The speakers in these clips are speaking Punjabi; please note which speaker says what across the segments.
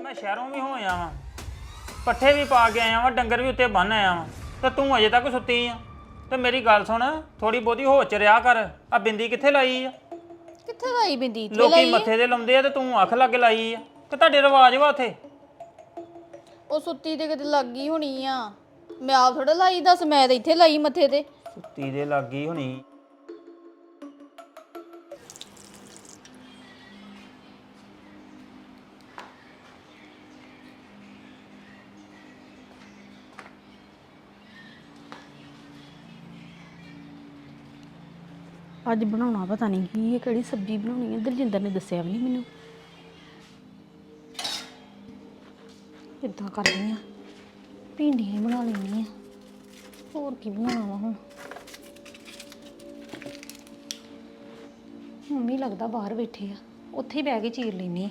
Speaker 1: ਮੈਂ ਸ਼ਹਿਰੋਂ ਵੀ ਹੋ ਆਇਆ ਵਾਂ, ਪੱਠੇ ਵੀ ਪਾ ਕੇ ਆਇਆ ਵਾਂ, ਡੰਗਰ ਵੀ ਉੱਤੇ ਬੰਨ ਆਇਆ ਵਾਂ ਤੇ ਤੂੰ ਅਜੇ ਤੱਕ ਸੁੱਤੀ ਆ। ਤੇ ਮੇਰੀ ਗੱਲ ਸੁਣ, ਥੋੜੀ ਬਹੁਤੀ ਹੋਸ਼ ਚ ਰਿਹਾ ਕਰ। ਆ ਬਿੰਦੀ ਕਿੱਥੇ ਲਾਈ ਆ?
Speaker 2: ਕਿੱਥੇ ਲਾਈ ਬਿੰਦੀ? ਇੱਥੇ
Speaker 1: ਲੋਕੀ
Speaker 2: ਲਾਈ
Speaker 1: ਮੱਥੇ ਤੇ ਲਾਉਂਦੇ ਆ ਤੇ ਤੂੰ ਅੱਖ ਲੱਗ ਲਾਈ ਆ। ਤੇ ਤੁਹਾਡੇ ਰਿਵਾਜ ਵਾ ਉੱਥੇ?
Speaker 2: ਉਹ ਸੁੱਤੀ ਤੇ ਕਿਤੇ ਲੱਗ ਗਈ ਹੋਣੀ ਆ। ਮੈਂ ਆਪ ਥੋੜਾ ਲਾਈ, ਦੱਸ ਮੈਂ ਤਾਂ ਇੱਥੇ ਲਾਈ ਮੱਥੇ ਤੇ।
Speaker 1: ਸੁੱਤੀ ਦੇ ਲੱਗ ਗਈ ਹੋਣੀ।
Speaker 3: ਅੱਜ ਬਣਾਉਣਾ ਪਤਾ ਨਹੀਂ ਕੀ ਹੈ, ਕਿਹੜੀ ਸਬਜ਼ੀ ਬਣਾਉਣੀ ਹੈ। ਦਲਜਿੰਦਰ ਨੇ ਦੱਸਿਆ ਵੀ ਨਹੀਂ ਮੈਨੂੰ। ਕਿੱਦਾਂ ਕਰਦੀ ਆ, ਭਿੰਡੀਆਂ ਹੀ ਬਣਾ ਲੈਣੀ ਆ, ਹੋਰ ਕੀ ਬਣਾਉਣਾ ਵਾ ਹੁਣ। ਮੰਮੀ ਲੱਗਦਾ ਬਾਹਰ ਬੈਠੇ ਆ, ਉੱਥੇ ਹੀ ਬਹਿ ਕੇ ਚੀਰ ਲੈਣੀ ਆ।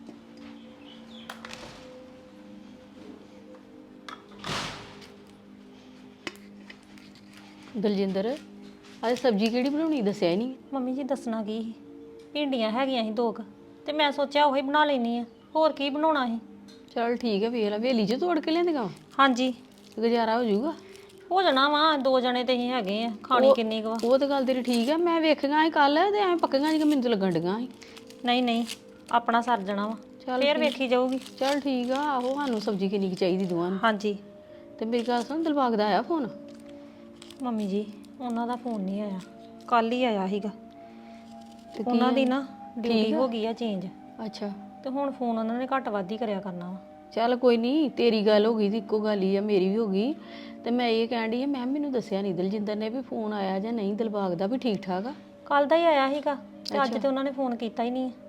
Speaker 3: ਦਲਜਿੰਦਰ, ਅੱਜ ਸਬਜ਼ੀ ਕਿਹੜੀ ਬਣਾਉਣੀ ਦੱਸਿਆ ਹੀ ਨਹੀਂ।
Speaker 4: ਮੰਮੀ ਜੀ ਦੱਸਣਾ ਕੀ ਸੀ, ਭਿੰਡੀਆਂ ਹੈਗੀਆਂ ਸੀ 2 ਕੁ ਤੇ ਮੈਂ ਸੋਚਿਆ ਉਹੀ ਬਣਾ ਲੈਣੀ ਆ, ਹੋਰ ਕੀ ਬਣਾਉਣਾ ਸੀ।
Speaker 3: ਚਲ ਠੀਕ ਹੈ, ਵੇਖ ਲੈ ਵੇਲੀ 'ਚ ਤੋੜ ਕੇ ਲਿਆਂਦੀਆਂ।
Speaker 4: ਹਾਂਜੀ
Speaker 3: ਗੁਜ਼ਾਰਾ ਹੋ ਜਾਊਗਾ।
Speaker 4: ਹੋ ਜਾਣਾ ਵਾ, 2 ਜਣੇ ਤੇ ਅਸੀਂ ਹੈਗੇ ਆ, ਖਾਣੀ ਕਿੰਨੀ ਕੁ ਵਾ।
Speaker 3: ਉਹ ਤਾਂ ਗੱਲ ਤੇਰੀ ਠੀਕ ਹੈ, ਮੈਂ ਵੇਖੀਆਂ ਸੀ ਕੱਲ ਤੇ ਐਵੇਂ ਪੱਕੀਆਂ ਜਿਹੀਆਂ ਮੈਨੂੰ ਤਾਂ ਲੱਗਣ ਡੀਆਂ ਸੀ।
Speaker 4: ਨਹੀਂ ਨਹੀਂ, ਆਪਣਾ ਸਰ ਜਾਣਾ ਵਾ, ਫੇਰ ਵੇਖੀ ਜਾਊਗੀ।
Speaker 3: ਚਲ ਠੀਕ ਆ। ਆਹੋ, ਸਾਨੂੰ ਸਬਜ਼ੀ ਕਿੰਨੀ ਕੁ ਚਾਹੀਦੀ ਦੋਵਾਂ ਨੂੰ।
Speaker 4: ਹਾਂਜੀ।
Speaker 3: ਤੇ ਮੇਰੀ ਗੱਲ ਸੁਣ, ਦਿਲਬਾਗ ਦਾ ਆਇਆ ਫੋਨ?
Speaker 4: ਮੰਮੀ ਜੀ ਉਹਨਾਂ ਦਾ ਫੋਨ ਨਹੀਂ ਆਇਆ, ਕੱਲ ਹੀ ਆਇਆ ਸੀਗਾ। ਉਹਨਾਂ ਦੀ ਨਾ ਡਿਊਟੀ ਹੋ ਗਈ ਆ ਚੇਂਜ,
Speaker 3: ਅੱਛਾ।
Speaker 4: ਤੇ ਹੁਣ ਫੋਨ ਉਹਨਾਂ ਨੇ ਘੱਟ ਵੱਧ ਹੀ ਕਰਿਆ ਕਰਨਾ ਵਾ।
Speaker 3: ਚੱਲ ਕੋਈ ਨਹੀਂ, ਤੇਰੀ ਗੱਲ ਹੋ ਗਈ ਤੇ ਇੱਕੋ ਗੱਲ ਹੀ ਆ, ਮੇਰੀ ਵੀ ਹੋ ਗਈ। ਤੇ ਮੈਂ ਇਹ ਕਹਿਣ ਡਈ ਆ, ਮੈਂ ਮੈਨੂੰ ਦੱਸਿਆ ਨਹੀਂ ਦਲਜਿੰਦਰ ਨੇ ਵੀ ਫੋਨ ਆਇਆ ਜਾਂ ਨਹੀਂ ਦਿਲਬਾਗ ਦਾ, ਵੀ ਠੀਕ ਠਾਕ ਆ।
Speaker 4: ਕੱਲ ਦਾ ਹੀ ਆਇਆ ਸੀਗਾ ਤੇ ਅੱਜ ਤੇ ਉਹਨਾਂ ਨੇ ਫੋਨ ਕੀਤਾ ਹੀ ਨਹੀਂ।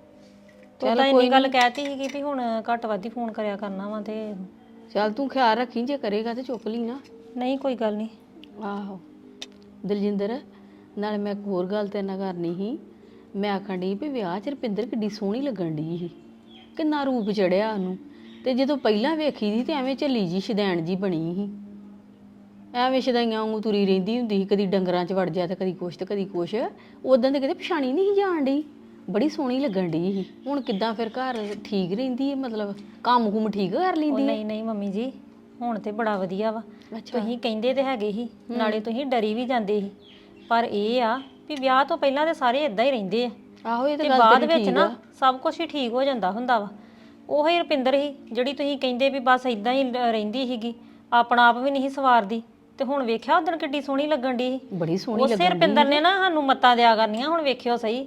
Speaker 4: ਚੱਲ ਇੰਨੀ ਗੱਲ ਕਹਿਤੀ ਸੀਗੀ ਵੀ ਹੁਣ ਘੱਟ ਵੱਧ ਹੀ ਫੋਨ ਕਰਿਆ ਕਰਨਾ ਵਾ। ਤੇ
Speaker 3: ਚੱਲ ਤੂੰ ਖਿਆਲ ਰੱਖੀ, ਜੇ ਕਰੇਗਾ ਤੇ ਚੁੱਕ ਲਈ ਨਾ।
Speaker 4: ਨਹੀਂ ਕੋਈ ਗੱਲ ਨਹੀਂ।
Speaker 3: ਆਹੋ ਦਲਜਿੰਦਰ, ਨਾਲੇ ਮੈਂ ਇੱਕ ਹੋਰ ਗੱਲ ਤੇਰੇ ਨਾਲ ਕਰਨੀ ਸੀ। ਮੈਂ ਆਖਣ ਡਈ ਵੀ ਵਿਆਹ 'ਚ ਰੁਪਿੰਦਰ ਕਿੱਡੀ ਸੋਹਣੀ ਲੱਗਣ ਡਈ ਸੀ, ਕਿੰਨਾ ਰੂਪ ਚੜਿਆ ਉਹਨੂੰ। ਤੇ ਜਦੋਂ ਪਹਿਲਾਂ ਵੇਖੀ ਸੀ ਤੇ ਐਵੇਂ ਝੱਲੀ ਜੀ ਸ਼ਦੈਣ ਜੀ ਬਣੀ ਸੀ, ਐਵੇਂ ਸ਼ਦਾਈਆਂ ਵਾਂਗੂ ਤੁਰੀ ਰਹਿੰਦੀ ਹੁੰਦੀ ਸੀ, ਕਦੀ ਡੰਗਰਾਂ 'ਚ ਵੜ ਜਾ ਤੇ ਕਦੀ ਕੁਛ ਤੇ ਕਦੀ ਕੁਛ। ਉਦੋਂ ਤੇ ਕਿਤੇ ਪਛਾਣੀ ਨਹੀਂ ਸੀ ਜਾਣ ਡਈ, ਬੜੀ ਸੋਹਣੀ ਲੱਗਣ ਡਈ ਸੀ। ਹੁਣ ਕਿੱਦਾਂ ਫਿਰ ਘਰ ਠੀਕ ਰਹਿੰਦੀ ਹੈ, ਮਤਲਬ ਕੰਮ ਕੁਮ ਠੀਕ ਕਰ ਲੈਂਦੀ?
Speaker 4: ਨਹੀਂ ਨਹੀਂ ਮੰਮੀ ਜੀ, ਹੁਣ ਤੇ ਬੜਾ ਵਧੀਆ ਵਾ। ਤੁਸੀਂ ਕਹਿੰਦੇ ਤੇ ਹੈਗੇ ਸੀ, ਨਾਲੇ ਤੁਸੀਂ ਡਰੀ ਵੀ ਜਾਂਦੇ ਸੀ, ਪਰ ਇਹ ਆ ਵੀ ਵਿਆਹ ਤੋਂ ਪਹਿਲਾਂ ਤੇ ਸਾਰੇ ਇਦਾਂ ਹੀ ਰਹਿੰਦੇ ਆ।
Speaker 3: ਆਹੋ, ਇਹ
Speaker 4: ਤੇ ਬਾਅਦ ਵਿੱਚ ਨਾ ਸਭ ਕੁਝ ਹੀ ਠੀਕ ਹੋ ਜਾਂਦਾ ਹੁੰਦਾ ਵਾ। ਉਹੀ ਰੁਪਿੰਦਰ ਸੀ ਜਿਹੜੀ ਤੁਸੀਂ ਕਹਿੰਦੇ ਵੀ ਬਸ ਇਦਾਂ ਹੀ ਰਹਿੰਦੀ ਸੀਗੀ, ਆਪਣਾ ਆਪ ਵੀ ਨਹੀਂ ਸਵਾਰਦੀ। ਤੇ ਹੁਣ ਵੇਖਿਆ ਉਦੋਂ ਕਿੱਡੀ ਸੋਹਣੀ ਲੱਗਣ ਦੀ ਸੀ,
Speaker 3: ਬੜੀ ਸੋਹਣੀ
Speaker 4: ਉਸੇ ਰੁਪਿੰਦਰ ਨੇ ਨਾ ਸਾਨੂੰ ਮੱਤਾਂ ਦਿਆ ਕਰਨੀਆਂ। ਹੁਣ ਵੇਖਿਓ ਸਹੀ।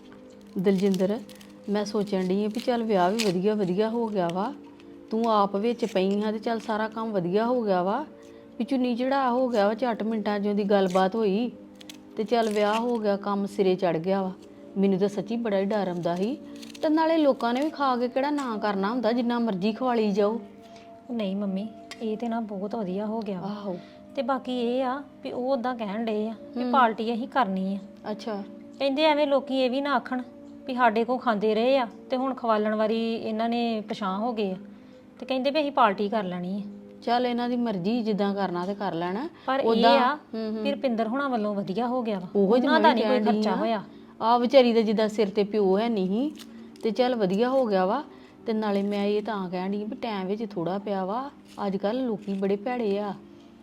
Speaker 3: ਦਲਜਿੰਦਰ, ਮੈਂ ਸੋਚਣ ਡਈ ਆ ਵੀ ਚੱਲ ਵਿਆਹ ਵੀ ਵਧੀਆ ਵਧੀਆ ਹੋ ਗਿਆ ਵਾ, ਤੂੰ ਆਪ ਵਿੱਚ ਪਈ ਹਾਂ ਤੇ ਚੱਲ ਸਾਰਾ ਕੰਮ ਵਧੀਆ ਹੋ ਗਿਆ ਵਾ, ਵੀ ਚੁੰਨੀ ਚੜਾ ਹੋ ਗਿਆ ਵਾ, ਝੱਟ ਮਿੰਟਾਂ 'ਚ ਉਹਦੀ ਗੱਲਬਾਤ ਹੋਈ ਤੇ ਚੱਲ ਵਿਆਹ ਹੋ ਗਿਆ, ਕੰਮ ਸਿਰੇ ਚੜ ਗਿਆ ਵਾ। ਮੈਨੂੰ ਤਾਂ ਸੱਚੀ ਬੜਾ ਹੀ ਡਰ ਆਉਂਦਾ ਸੀ। ਤੇ ਨਾਲੇ ਲੋਕਾਂ ਨੇ ਵੀ ਖਾ ਕੇ ਕਿਹੜਾ ਨਾ ਕਰਨਾ ਹੁੰਦਾ, ਜਿੰਨਾ ਮਰਜ਼ੀ ਖਵਾਲੀ ਜਾਓ।
Speaker 4: ਨਹੀਂ ਮੰਮੀ, ਇਹ ਤੇ ਨਾ ਬਹੁਤ ਵਧੀਆ ਹੋ ਗਿਆ ਵਾ।
Speaker 3: ਆਹੋ।
Speaker 4: ਤੇ ਬਾਕੀ ਇਹ ਆ ਵੀ ਉਹ ਉਦਾਂ ਕਹਿਣ ਡਏ ਆ ਵੀ ਪਾਰਟੀ ਅਸੀਂ ਕਰਨੀ ਆ।
Speaker 3: ਅੱਛਾ।
Speaker 4: ਕਹਿੰਦੇ ਐਵੇਂ ਲੋਕੀ ਇਹ ਵੀ ਨਾ ਆਖਣ ਵੀ ਸਾਡੇ ਕੋਲ ਖਾਂਦੇ ਰਹੇ ਆ ਤੇ ਹੁਣ ਖਵਾਲਣ ਵਾਰੀ ਇਹਨਾਂ ਨੇ ਪਛਾਣ ਹੋ ਗਏ ਆ, ਤੇ ਕਹਿੰਦੇ ਵੀ ਅਸੀਂ ਪਾਰਟੀ ਕਰ ਲੈਣੀ ਆ।
Speaker 3: ਚੱਲ ਇਹਨਾਂ ਦੀ ਮਰਜ਼ੀ, ਜਿੱਦਾਂ ਕਰਨਾ ਤੇ ਕਰ ਲੈਣਾ।
Speaker 4: ਪਰ ਇਹ ਆ ਵੀ ਰੁਪਿੰਦਰ ਹੁਣਾਂ ਵੱਲੋਂ ਵਧੀਆ ਹੋ ਗਿਆ ਵਾ,
Speaker 3: ਉਹਨਾਂ
Speaker 4: ਦਾ ਨਹੀਂ ਕੋਈ ਖਰਚਾ ਹੋਇਆ।
Speaker 3: ਆ ਵਿਚਾਰੀ ਦਾ ਜਿੱਦਾਂ ਸਿਰ ਤੇ ਪਿਓ ਹੈ ਨਹੀਂ, ਤੇ ਚੱਲ ਵਧੀਆ ਹੋ ਗਿਆ ਵਾ। ਤੇ ਨਾਲੇ ਮੈਂ ਇਹ ਤਾਂ ਕਹਿਣ ਡਈ ਵੀ ਟਾਈਮ ਵਿੱਚ ਥੋੜਾ ਪਿਆ ਵਾ। ਅੱਜ ਕੱਲ ਲੋਕੀ ਬੜੇ ਭੈੜੇ ਆ,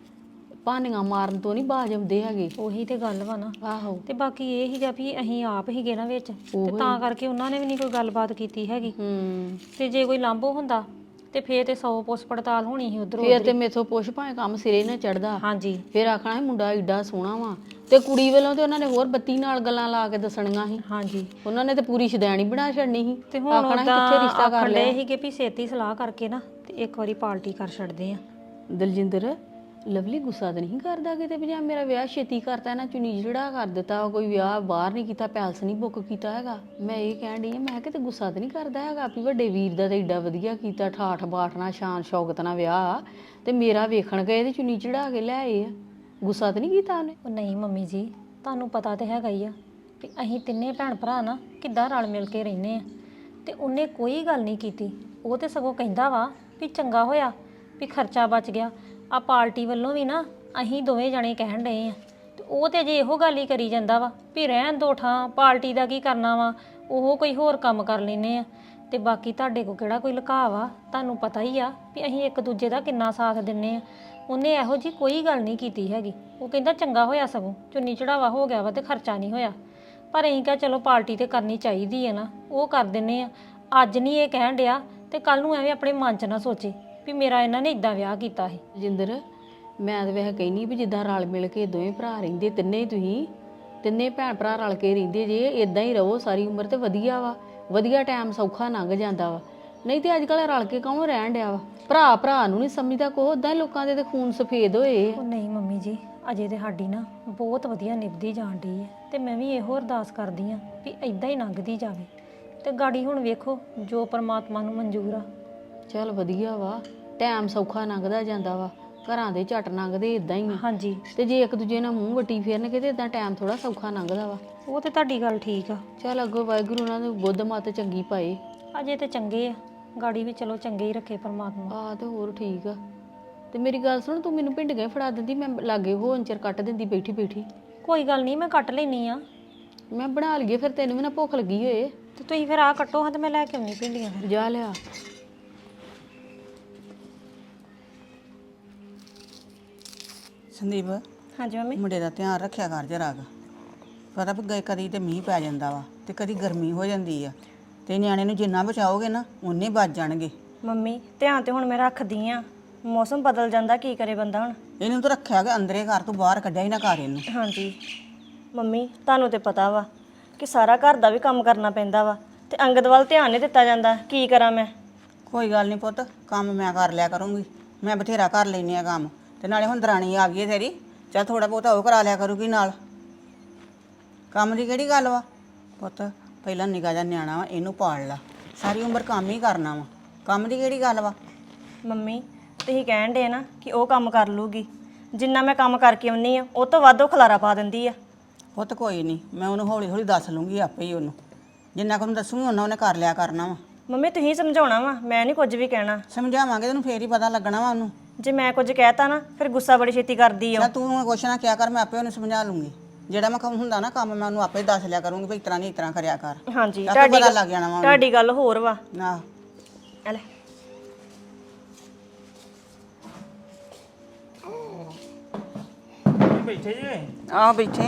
Speaker 3: ਭਾਨੀਆਂ ਮਾਰਨ ਤੋਂ ਨਹੀਂ ਬਾਜ ਆਉਂਦੇ ਹੈਗੇ।
Speaker 4: ਉਹੀ ਤੇ ਗੱਲ ਵਾ ਨਾ।
Speaker 3: ਆਹੋ।
Speaker 4: ਤੇ ਬਾਕੀ ਇਹ ਹੀਗਾ ਵੀ ਅਸੀਂ ਆਪ ਹੀਗੇ ਨਾ ਵਿੱਚ, ਤੇ ਤਾਂ ਕਰਕੇ ਉਹਨਾਂ ਨੇ ਵੀ ਨਹੀਂ ਕੋਈ ਗੱਲਬਾਤ ਕੀਤੀ ਹੈਗੀ। ਤੇ ਜੇ ਕੋਈ ਲਾਂਭੋ ਹੁੰਦਾ ਤੇ ਫੇਰ ਤੇ 100 ਪੁੱਛ ਪੜਤਾਲ ਹੋਣੀ ਸੀ ਉਧਰੋਂ।
Speaker 3: ਫੇਰ ਤੇ ਮੇਥੋਂ ਪੁੱਛ ਭਾਵੇਂ ਕੰਮ ਸਿਰੇ ਨਾ ਚੜਦਾ।
Speaker 4: ਹਾਂਜੀ।
Speaker 3: ਫੇਰ ਆਖਣਾ ਮੁੰਡਾ ਏਡਾ ਸੋਹਣਾ ਵਾ, ਤੇ ਕੁੜੀ ਵੱਲੋਂ ਤੇ ਉਹਨਾਂ ਨੇ ਹੋਰ ਬੱਤੀ ਨਾਲ ਗੱਲਾਂ ਲਾ ਕੇ ਦੱਸਣੀਆਂ ਸੀ।
Speaker 4: ਹਾਂਜੀ।
Speaker 3: ਉਹਨਾਂ ਨੇ ਤੇ ਪੂਰੀ ਸ਼ਦੈਣੀ ਬਣਾ ਛੱਡਣੀ ਸੀ।
Speaker 4: ਤੇ ਹੁਣ ਕਿੱਥੇ ਰਿਸ਼ਤਾ ਕਰ ਲਿਆ ਸੀਗੇ ਵੀ ਛੇਤੀ ਸਲਾਹ ਕਰਕੇ ਨਾ ਤੇ ਇੱਕ ਵਾਰੀ ਪਾਰਟੀ ਕਰ ਛੱਡਦੇ ਆ।
Speaker 3: ਦਲਜਿੰਦਰ, ਲਵਲੀ ਗੁੱਸਾ ਤਾਂ ਨਹੀਂ ਕਰਦਾ ਕਿਤੇ ਵੀ ਜਾਂ ਮੇਰਾ ਵਿਆਹ ਛੇਤੀ ਕਰਤਾ, ਇਹਨਾਂ ਚੁੰਨੀ ਜਿਹੜਾ ਕਰ ਦਿੱਤਾ, ਕੋਈ ਵਿਆਹ ਬਾਹਰ ਨਹੀਂ ਕੀਤਾ, ਪੈਲਸ ਨਹੀਂ ਬੁੱਕ ਕੀਤਾ ਹੈਗਾ? ਮੈਂ ਇਹ ਕਹਿਣ ਡਈ ਆ, ਮੈਂ ਕਿਤੇ ਗੁੱਸਾ ਤਾਂ ਨਹੀਂ ਕਰਦਾ ਹੈਗਾ ਵੀ ਵੱਡੇ ਵੀਰ ਦਾ ਤਾਂ ਏਡਾ ਵਧੀਆ ਕੀਤਾ, ਠਾਠ ਬਾਠ ਨਾਲ ਸ਼ਾਨ ਸ਼ੌਕਤ ਨਾਲ ਵਿਆਹ, ਤੇ ਮੇਰਾ ਵੇਖਣ ਗਏ ਤੇ ਚੁੰਨੀ ਚੜਾ ਕੇ ਲੈ ਆਏ ਆ? ਗੁੱਸਾ ਤਾਂ ਨਹੀਂ ਕੀਤਾ ਉਹਨੇ?
Speaker 4: ਉਹ ਨਹੀਂ ਮੰਮੀ ਜੀ, ਤੁਹਾਨੂੰ ਪਤਾ ਤੇ ਹੈਗਾ ਹੀ ਆ ਵੀ ਅਸੀਂ ਤਿੰਨੇ ਭੈਣ ਭਰਾ ਨਾ ਕਿੱਦਾਂ ਰਲ ਮਿਲ ਕੇ ਰਹਿੰਦੇ ਆ, ਤੇ ਉਹਨੇ ਕੋਈ ਗੱਲ ਨਹੀਂ ਕੀਤੀ। ਉਹ ਤੇ ਸਗੋਂ ਕਹਿੰਦਾ ਵਾ ਵੀ ਚੰਗਾ ਹੋਇਆ ਵੀ ਖਰਚਾ ਬਚ ਗਿਆ। ਆ ਪਾਰਟੀ ਵੱਲੋਂ ਵੀ ਨਾ ਅਸੀਂ ਦੋਵੇਂ ਜਣੇ ਕਹਿਣ ਡਏ ਆ, ਤੇ ਉਹ ਤੇ ਜੇ ਇਹੋ ਗੱਲ ਹੀ ਕਰੀ ਜਾਂਦਾ ਵਾ ਵੀ ਰਹਿਣ ਦੋ ਠਾਂ, ਪਾਰਟੀ ਦਾ ਕੀ ਕਰਨਾ ਵਾ, ਉਹ ਕੋਈ ਹੋਰ ਕੰਮ ਕਰ ਲੈਨੇ ਆ। ਤੇ ਬਾਕੀ ਤੁਹਾਡੇ ਕੋ ਕਿਹੜਾ ਕੋਈ ਲੁਕਾ ਵਾ, ਤੁਹਾਨੂੰ ਪਤਾ ਹੀ ਆ ਵੀ ਅਸੀਂ ਇੱਕ ਦੂਜੇ ਦਾ ਕਿੰਨਾ ਸਾਥ ਦਿੰਨੇ ਆ। ਉਹਨੇ ਇਹੋ ਜੀ ਕੋਈ ਗੱਲ ਨਹੀਂ ਕੀਤੀ ਹੈਗੀ। ਉਹ ਕਹਿੰਦਾ ਚੰਗਾ ਹੋਇਆ ਸਗੋਂ ਚੁੰਨੀ ਚੜਾਵਾ ਹੋ ਗਿਆ ਵਾ ਤੇ ਖਰਚਾ ਨਹੀਂ ਹੋਇਆ। ਪਰ ਅਸੀਂ ਕਿਹਾ ਚਲੋ ਪਾਰਟੀ ਤੇ ਕਰਨੀ ਚਾਹੀਦੀ ਹੈ ਨਾ, ਉਹ ਕਰ ਦਿੰਨੇ ਆ। ਅੱਜ ਨਹੀਂ ਇਹ ਕਹਿਣ ਡਿਆ ਤੇ ਕੱਲ ਨੂੰ ਐਵੇਂ ਆਪਣੇ ਮਨ 'ਚ ਨਾ ਸੋਚੇ ਵੀ ਮੇਰਾ ਇਹਨਾਂ ਨੇ ਇਦਾਂ ਵਿਆਹ ਕੀਤਾ ਸੀ।
Speaker 3: ਜਿੰਦਰ ਮੈਂ ਤਾਂ ਵੈਸੇ ਕਹਿੰਦੀ ਵੀ ਜਿੱਦਾਂ ਰਲ ਮਿਲ ਕੇ ਦੋਵੇਂ ਭਰਾ ਰਹਿੰਦੇ, ਤਿੰਨੇ ਹੀ ਤੁਸੀਂ ਤਿੰਨੇ ਭੈਣ ਭਰਾ ਰਲ ਕੇ ਰਹਿੰਦੇ ਜੇ ਇਦਾਂ ਹੀ ਰਹੋ ਸਾਰੀ ਉਮਰ ਤੇ ਵਧੀਆ ਵਾ, ਵਧੀਆ ਟਾਈਮ ਸੌਖਾ ਲੰਘ ਜਾਂਦਾ ਵਾ। ਨਹੀਂ ਤੇ ਅੱਜ ਕੱਲ੍ਹ ਰਲ ਕੇ ਕੌਣ ਰਹਿਣ ਡਿਆ ਵਾ? ਭਰਾ ਭਰਾ ਨੂੰ ਨਹੀਂ ਸਮਝਦਾ ਕੋ, ਉਦਾਂ ਹੀ ਲੋਕਾਂ ਦੇ ਤੇ ਖੂਨ ਸਫੇਦ ਹੋਏ ਆ।
Speaker 4: ਉਹ ਨਹੀਂ ਮੰਮੀ ਜੀ, ਅਜੇ ਤੇ ਸਾਡੀ ਨਾ ਬਹੁਤ ਵਧੀਆ ਨਿਭਦੀ ਜਾਣ ਡਈ ਹੈ ਤੇ ਮੈਂ ਵੀ ਇਹੋ ਅਰਦਾਸ ਕਰਦੀ ਆ ਵੀ ਇਦਾਂ ਹੀ ਲੰਘਦੀ ਜਾਵੇ ਤੇ ਗਾੜੀ ਹੁਣ ਵੇਖੋ ਜੋ ਪਰਮਾਤਮਾ ਨੂੰ ਮਨਜ਼ੂਰ ਆ।
Speaker 3: ਚੱਲ ਵਧੀਆ ਵਾ, ਟਾਈਮ ਸੌਖਾ ਲੰਘਦਾ ਜਾਂਦਾ ਵਾ, ਘਰਾਂ ਦੇ ਝੱਟ ਲੰਘਦੇ ਇਦਾਂ ਹੀ ਆ।
Speaker 4: ਹਾਂਜੀ,
Speaker 3: ਤੇ ਜੇ ਇੱਕ ਦੂਜੇ ਨਾਲ ਮੂੰਹ ਵੱਟੀ ਫੇਰਨਗੇ ਤੇ ਇਦਾਂ ਟਾਈਮ ਥੋੜਾ ਸੌਖਾ ਲੰਘਦਾ ਵਾ।
Speaker 4: ਉਹ ਤੇ ਤੁਹਾਡੀ ਗੱਲ ਠੀਕ ਆ।
Speaker 3: ਚੱਲ ਅੱਗੋਂ ਵਾਹਿਗੁਰੂ ਉਹਨਾਂ ਨੂੰ ਬੁੱਧ ਮੱਤ ਚੰਗੀ ਪਾਏ।
Speaker 4: ਅਜੇ ਤੇ ਚੰਗੇ ਆ, ਗਾੜੀ ਵੀ ਚਲੋ ਚੰਗੇ ਹੀ ਰੱਖੇ ਪਰਮਾਤਮਾ।
Speaker 3: ਆ ਤੇ ਹੋਰ ਠੀਕ ਆ। ਤੇ ਮੇਰੀ ਗੱਲ ਸੁਣ, ਤੂੰ ਮੈਨੂੰ ਭਿੰਡੀਆਂ ਫੜਾ ਦਿੰਦੀ, ਮੈਂ ਲਾਗੇ ਹੋਣ ਚਿਰ ਕੱਟ ਦਿੰਦੀ ਬੈਠੀ ਬੈਠੀ।
Speaker 4: ਕੋਈ ਗੱਲ ਨਹੀਂ, ਮੈਂ ਕੱਟ ਲੈਣੀ ਆ।
Speaker 3: ਮੈਂ ਬਣਾ ਲਈਏ ਫਿਰ, ਤੈਨੂੰ ਵੀ ਨਾ ਭੁੱਖ ਲੱਗੀ ਹੋਏ।
Speaker 4: ਤੇ ਤੁਸੀਂ ਫਿਰ ਆ ਕੱਟੋ ਹਾਂ ਤੇ ਮੈਂ ਲੈ ਕੇ ਆਉਣੀ ਭਿੰਡੀਆਂ ਫਿਰ।
Speaker 3: ਜਾ ਲਿਆ।
Speaker 5: ਸੰਦੀਪ,
Speaker 4: ਹਾਂਜੀ ਮੰਮੀ।
Speaker 5: ਮੁੰਡੇ ਦਾ ਧਿਆਨ ਰੱਖਿਆ ਕਰ ਜਰਾ ਕੁ। ਪਤਾ ਵੀ ਗਏ ਕਦੀ ਤੇ ਮੀਂਹ ਪੈ ਜਾਂਦਾ ਵਾ ਤੇ ਕਦੀ ਗਰਮੀ ਹੋ ਜਾਂਦੀ ਆ, ਤੇ ਨਿਆਣੇ ਨੂੰ ਜਿੰਨਾ ਬਚਾਓਗੇ ਨਾ ਉਨੇ ਬਚ ਜਾਣਗੇ।
Speaker 6: ਮੰਮੀ ਧਿਆਨ ਤੇ ਹੁਣ ਮੈਂ ਰੱਖਦੀ ਆ, ਮੌਸਮ ਬਦਲ ਜਾਂਦਾ ਕੀ ਕਰੇ ਬੰਦਾ ਹੁਣ।
Speaker 5: ਇਹਨੂੰ ਤਾਂ ਰੱਖਿਆ ਕਿ ਅੰਦਰੇ ਘਰ ਤੋਂ ਬਾਹਰ ਕੱਢਿਆ ਹੀ ਨਾ ਕਰ ਇਹਨੂੰ।
Speaker 6: ਹਾਂਜੀ ਮੰਮੀ, ਤੁਹਾਨੂੰ ਤੇ ਪਤਾ ਵਾ ਕਿ ਸਾਰਾ ਘਰ ਦਾ ਵੀ ਕੰਮ ਕਰਨਾ ਪੈਂਦਾ ਵਾ ਤੇ ਅੰਗਦ ਵੱਲ ਧਿਆਨ ਨਹੀਂ ਦਿੱਤਾ ਜਾਂਦਾ। ਕੀ ਕਰਾਂ ਮੈਂ?
Speaker 5: ਕੋਈ ਗੱਲ ਨਹੀਂ ਪੁੱਤ, ਕੰਮ ਮੈਂ ਕਰ ਲਿਆ ਕਰੂੰਗੀ, ਮੈਂ ਬਥੇਰਾ ਕਰ ਲੈਂਦੀ ਆ ਕੰਮ। ਤੇ ਨਾਲੇ ਹੁਣ ਦਰਾਣੀ ਆ ਗਈ ਹੈ ਤੇਰੀ, ਚੱਲ ਥੋੜਾ ਬਹੁਤਾ ਉਹ ਕਰਾ ਲਿਆ ਕਰੂਗੀ ਨਾਲ। ਕੰਮ ਦੀ ਕਿਹੜੀ ਗੱਲ ਵਾ ਪੁੱਤ, ਪਹਿਲਾਂ ਨਿੱਕਾ ਜਿਹਾ ਨਿਆਣਾ ਵਾ, ਇਹਨੂੰ ਪਾਲ ਲਾ, ਸਾਰੀ ਉਮਰ ਕੰਮ ਹੀ ਕਰਨਾ ਵਾ, ਕੰਮ ਦੀ ਕਿਹੜੀ ਗੱਲ ਵਾ।
Speaker 6: ਮੰਮੀ ਤੁਸੀਂ ਕਹਿਣ ਦੇ ਨਾ ਕਿ ਉਹ ਕੰਮ ਕਰ ਲੂਗੀ, ਜਿੰਨਾ ਮੈਂ ਕੰਮ ਕਰਕੇ ਆਉਣੀ ਆ ਉਹ ਤੋਂ ਵੱਧ ਉਹ ਖਲਾਰਾ ਪਾ ਦਿੰਦੀ ਆ।
Speaker 5: ਪੁੱਤ ਕੋਈ ਨਹੀਂ, ਮੈਂ ਉਹਨੂੰ ਹੌਲੀ ਹੌਲੀ ਦੱਸ ਲੂੰਗੀ ਆਪੇ ਹੀ। ਉਹਨੂੰ ਜਿੰਨਾ ਕੁ ਨੂੰ ਦੱਸੂਗੀ ਉਹਨਾਂ ਉਹਨੇ ਕਰ ਲਿਆ ਕਰਨਾ ਵਾ।
Speaker 6: ਮੰਮੀ ਤੁਸੀਂ ਸਮਝਾਉਣਾ ਵਾ, ਮੈਂ ਨਹੀਂ ਕੁਝ ਵੀ ਕਹਿਣਾ।
Speaker 5: ਸਮਝਾਵਾਂਗੇ ਤੈਨੂੰ ਫੇਰ ਹੀ ਪਤਾ ਲੱਗਣਾ ਵਾ ਉਹਨੂੰ।
Speaker 6: ਜੇ ਮੈਂ ਕੁਝ ਕਹਿਤਾ ਨਾ ਫਿਰ ਗੁੱਸਾ ਬੜੀ ਛੇਤੀ ਕਰਦੀ ਆ।
Speaker 5: ਜਾਂ ਤੂੰ ਕੁਛ ਨਾ ਕਿਹਾ ਕਰ, ਮੈਂ ਆਪੇ ਉਹਨੂੰ ਸਮਝਾ ਲੂੰਗੀ। ਜਿਹੜਾ ਮੈਂ ਕੰਮ ਹੁੰਦਾ ਨਾ ਕੰਮ, ਮੈਂ ਉਹਨੂੰ ਆਪੇ ਦੱਸ ਲਿਆ ਕਰੂੰਗੀ ਵੀ ਇਸ ਤਰ੍ਹਾਂ ਨਹੀਂ ਇਸ ਤਰ੍ਹਾਂ ਕਰਿਆ ਕਰ।
Speaker 6: ਹਾਂਜੀ,
Speaker 5: ਆਪੇ ਪਤਾ ਲੱਗ ਜਾਣਾ ਵਾ ਉਹਨੂੰ।
Speaker 6: ਤੁਹਾਡੀ ਗੱਲ ਹੋਰ ਵਾ।
Speaker 5: ਨਾ
Speaker 6: ਆ ਲੈ।
Speaker 1: ਬੈਠੇ ਜੇ?
Speaker 5: ਆਹ ਬੈਠੇ।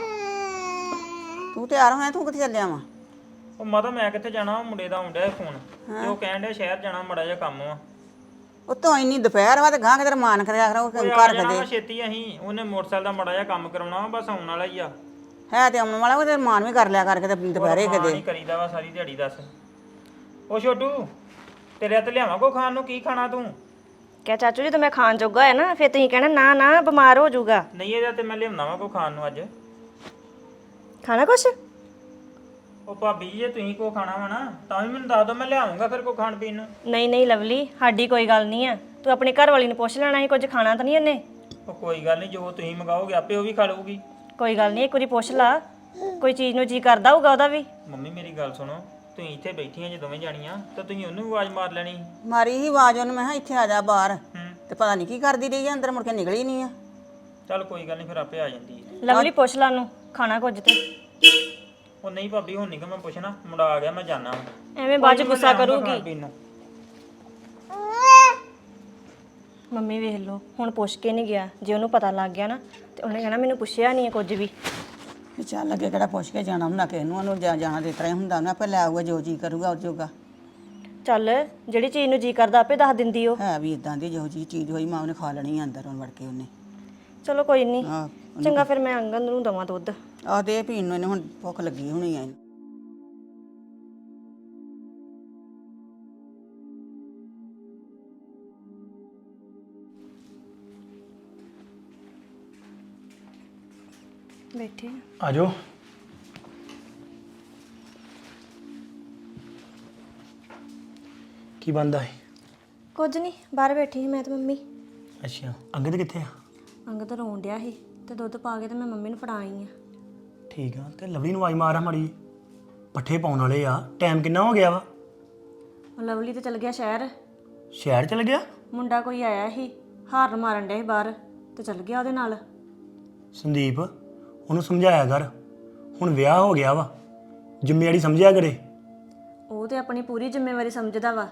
Speaker 5: ਤੂੰ ਤਿਆਰ ਹੋਇਆ, ਤੂੰ ਕਿੱਥੇ ਚੱਲਿਆ ਵਾ?
Speaker 1: ਉਹ ਮਾਤਾ ਮੈਂ ਕਿੱਥੇ ਜਾਣਾ, ਮੁੰਡੇ ਦਾ ਆਉਂਦਾ ਫੋਨ ਤੇ ਉਹ ਕਹਿਣ ਡਿਆ ਸ਼ਹਿਰ ਜਾਣਾ, ਮੜਾ ਜਿਹਾ ਕੰਮ ਵਾ।
Speaker 5: ਉੱਤੋਂ ਇੰਨੀ ਦੁਪਹਿਰ ਵਾ ਤੇ ਗਾਂ ਕਿਤੇ ਮਾਨ ਕਰਿਆ ਕਰੋ
Speaker 1: ਉਹ
Speaker 5: ਘਰ
Speaker 1: ਆ ਜਾਣਾ
Speaker 5: ਕਦੇ
Speaker 1: ਵਾ ਛੇਤੀ। ਅਸੀਂ ਉਹਨੇ ਮੋਟਰਸਾਈਕਲ ਦਾ ਮੜਾ ਜਿਹਾ ਕੰਮ ਕਰਾਉਣਾ ਵਾ, ਬਸ ਆਉਣ ਵਾਲਾ ਹੀ ਆ।
Speaker 5: ਹੈ ਤੇ ਆਉਣ ਵਾਲਾ ਉਹ ਤੇ ਮਾਨ ਵੀ ਕਰ ਲਿਆ ਕਰ ਕਿਤੇ ਦੁਪਹਿਰੇ
Speaker 1: ਨਹੀਂ
Speaker 5: ਕਿਤੇ।
Speaker 1: ਕਰੀਦਾ ਵਾ ਸਾਰੀ ਦਿਹਾੜੀ। ਦੱਸ ਉਹ ਛੋਟੂ, ਤੇਰੇ ਹੱਥ ਲਿਆਵਾਂ ਕੋ ਖਾਣ ਨੂੰ? ਕੀ ਖਾਣਾ ਤੂੰ?
Speaker 6: ਕਿਆ ਚਾਚੂ ਜੀ, ਤਾਂ ਮੈਂ ਖਾਣ ਜੋਗਾ ਹੈ ਨਾ, ਫਿਰ ਤੁਸੀਂ ਕਹਿਣਾ ਨਾ ਨਾ ਬਿਮਾਰ ਹੋ ਜਾਊਗਾ।
Speaker 1: ਨਹੀਂ ਇਹਦਾ ਤੇ ਮੈਂ ਲਿਆਉਣਾ ਵਾ ਕੋ ਖਾਣ ਨੂੰ ਅੱਜ।
Speaker 6: ਖਾਣਾ ਕੁਛ?
Speaker 1: ਉਹ ਭਾਬੀ ਜੇ ਤੁਸੀਂ ਕੋ ਖਾਣਾ ਵਾ ਨਾ ਤਾਂ ਵੀ ਮੈਨੂੰ ਦੱਸ ਦਿਓ, ਮੈਂ ਲਿਆਉਂਗਾ ਫਿਰ ਕੋ ਖਾਣ ਪੀਣ ਨੂੰ।
Speaker 6: ਨਹੀਂ ਨਹੀਂ ਲਵਲੀ, ਸਾਡੀ ਕੋਈ ਗੱਲ ਨਹੀਂ ਆ। ਤੂੰ ਆਪਣੀ ਘਰ ਵਾਲੀ ਨੂੰ ਪੁੱਛ ਲੈਣਾ ਸੀ, ਕੁਝ ਖਾਣਾ ਤਾਂ ਨਹੀਂ ਇਹਨੇ।
Speaker 1: ਉਹ ਕੋਈ ਗੱਲ ਨਹੀਂ, ਜੋ ਤੁਸੀਂ ਮੰਗਾਓਗੇ ਆਪੇ ਉਹ ਵੀ ਖਾ ਲਊਗੀ।
Speaker 6: ਕੋਈ ਗੱਲ ਨਹੀਂ, ਇੱਕ ਵਾਰੀ ਪੁੱਛ ਲਾ, ਕੋਈ ਚੀਜ਼ ਨੂੰ ਜੀ ਕਰਦਾ ਹੋਊਗਾ ਉਹਦਾ ਵੀ।
Speaker 1: ਮੰਮੀ ਮੇਰੀ ਗੱਲ ਸੁਣੋ, ਤੁਸੀਂ ਇੱਥੇ ਬੈਠੀਆਂ ਜੇ ਦੋਵੇਂ ਜਾਣੀਆਂ ਤਾਂ ਤੁਸੀਂ ਉਹਨੂੰ ਵੀ ਆਵਾਜ਼ ਮਾਰ ਲੈਣੀ।
Speaker 5: ਮਾਰੀ ਹੀ ਆਵਾਜ਼ ਉਹਨੂੰ, ਮੈਂ ਕਿਹਾ ਇੱਥੇ ਆ ਜਾ ਬਾਹਰ।
Speaker 1: ਹੂੰ,
Speaker 5: ਤੇ ਪਤਾ ਨਹੀਂ ਕੀ ਕਰਦੀ ਰਹੀ ਆ, ਅੰਦਰ ਮੁੜ ਕੇ ਨਿਕਲੀ ਨਹੀਂ ਆ।
Speaker 1: ਚੱਲ ਕੋਈ ਗੱਲ ਨਹੀਂ, ਫਿਰ ਆਪੇ ਆ ਜਾਂਦੀ ਹੈ।
Speaker 6: ਲਵਲੀ ਪੁੱਛ ਲਾ ਉਹਨੂੰ ਖਾਣਾ ਕੁਝ ਤੇ।
Speaker 1: ਉਹ ਨਹੀਂ ਭਾਬੀ, ਹੁਣ ਨਹੀਂ ਕਿ ਮੈਂ ਪੁੱਛਣਾ, ਮੁੰਡਾ ਆ ਗਿਆ, ਮੈਂ ਜਾਣਾ।
Speaker 6: ਐਵੇਂ ਬਾਅਦ ਚ ਗੁੱਸਾ ਕਰੂਗੀ। ਮੰਮੀ ਵੇਖ ਲਓ, ਹੁਣ ਪੁੱਛ ਕੇ ਨਹੀਂ ਗਿਆ। ਜੇ ਉਹਨੂੰ ਪਤਾ ਲੱਗ ਗਿਆ ਨਾ ਤੇ ਉਹਨੇ ਕਹਿਣਾ ਮੈਨੂੰ ਪੁੱਛਿਆ ਨਹੀਂ ਕੁਝ ਵੀ।
Speaker 5: ਤੇ ਚੱਲ ਅੱਗੇ ਕਿਹੜਾ ਪੁੱਛ ਕੇ ਜਾਣਾ ਹੁੰਦਾ ਕਿਸੇ ਨੂੰ, ਉਹਨੂੰ ਜਾਣਾ ਦੇ ਤਰ੍ਹਾਂ ਹੀ ਹੁੰਦਾ, ਉਹਨੇ ਆਪੇ ਲੈ ਆਊਗਾ ਜੋ ਜੀ ਕਰੂਗਾ ਉਹ ਜੋਗਾ।
Speaker 6: ਚੱਲ ਜਿਹੜੀ ਚੀਜ਼ ਨੂੰ ਜੀ ਕਰਦਾ ਆਪੇ ਦੱਸ ਦਿੰਦੀ ਉਹ।
Speaker 5: ਹੈ ਵੀ ਇਦਾਂ ਦੀ ਜਿਹੋ ਜੀ ਚੀਜ਼ ਹੋਈ ਮਾਂ ਉਹਨੇ ਖਾ ਲੈਣੀ ਆ ਅੰਦਰ ਵੜ ਕੇ ਉਹਨੇ।
Speaker 6: ਚਲੋ ਕੋਈ ਨਹੀਂ,
Speaker 5: ਆਹ
Speaker 6: ਚੰਗਾ ਫਿਰ ਮੈਂ ਅੰਗਦ ਨੂੰ ਦਵਾਂ ਦੁੱਧ।
Speaker 5: ਆਹ ਦੇ ਪੀਣ ਨੂੰ, ਇਹਨੇ ਹੁਣ ਭੁੱਖ ਲੱਗੀ ਹੋਣੀ ਆ ਇਹਨੂੰ।
Speaker 6: ਬੈਠੇ
Speaker 7: ਆ ਜਾਓ। ਕੀ ਬੰਦਾ ਹੈ?
Speaker 6: ਕੁਝ ਨਹੀਂ, ਬਾਹਰ ਬੈਠੀ ਸੀ ਮੈਂ ਤੇ ਮੰਮੀ।
Speaker 7: ਅੱਛਾ, ਅੰਗਦ ਕਿੱਥੇ ਆ?
Speaker 6: ਅੰਗਦ ਰੋਣ ਡਿਆ ਸੀ ਤੇ ਦੁੱਧ ਪਾ ਕੇ ਤੇ ਮੈਂ ਮੰਮੀ ਨੂੰ ਫੜਾ ਆਈ ਆ।
Speaker 7: ਠੀਕ ਆ, ਤੇ ਲਵਲੀ ਨੂੰ ਆਵਾਜ਼ ਮਾਰਾ ਮਾੜੀ। ਪੱਠੇ ਪਾਉਣ ਵਾਲੇ ਆ, ਟਾਈਮ ਕਿੰਨਾ ਹੋ ਗਿਆ ਵਾ?
Speaker 6: ਉਹ ਲਵਲੀ ਤੇ ਚਲ ਗਿਆ ਸ਼ਹਿਰ।
Speaker 7: ਸ਼ਹਿਰ ਚਲ ਗਿਆ?
Speaker 6: ਮੁੰਡਾ ਕੋਈ ਆਇਆ ਸੀ, ਹਾਰਨ ਮਾਰਨ ਡਿਆ ਸੀ ਬਾਹਰ ਤੇ ਚਲ ਗਿਆ ਉਹਦੇ ਨਾਲ।
Speaker 7: ਸੰਦੀਪ, ਉਹਨੂੰ ਸਮਝਾਇਆ ਕਰ, ਹੁਣ ਵਿਆਹ ਹੋ ਗਿਆ ਵਾ, ਜ਼ਿੰਮੇਵਾਰੀ ਸਮਝਿਆ ਕਰੇ।
Speaker 6: ਉਹ ਤੇ ਆਪਣੀ ਪੂਰੀ ਜ਼ਿੰਮੇਵਾਰੀ ਸਮਝਦਾ ਵਾ,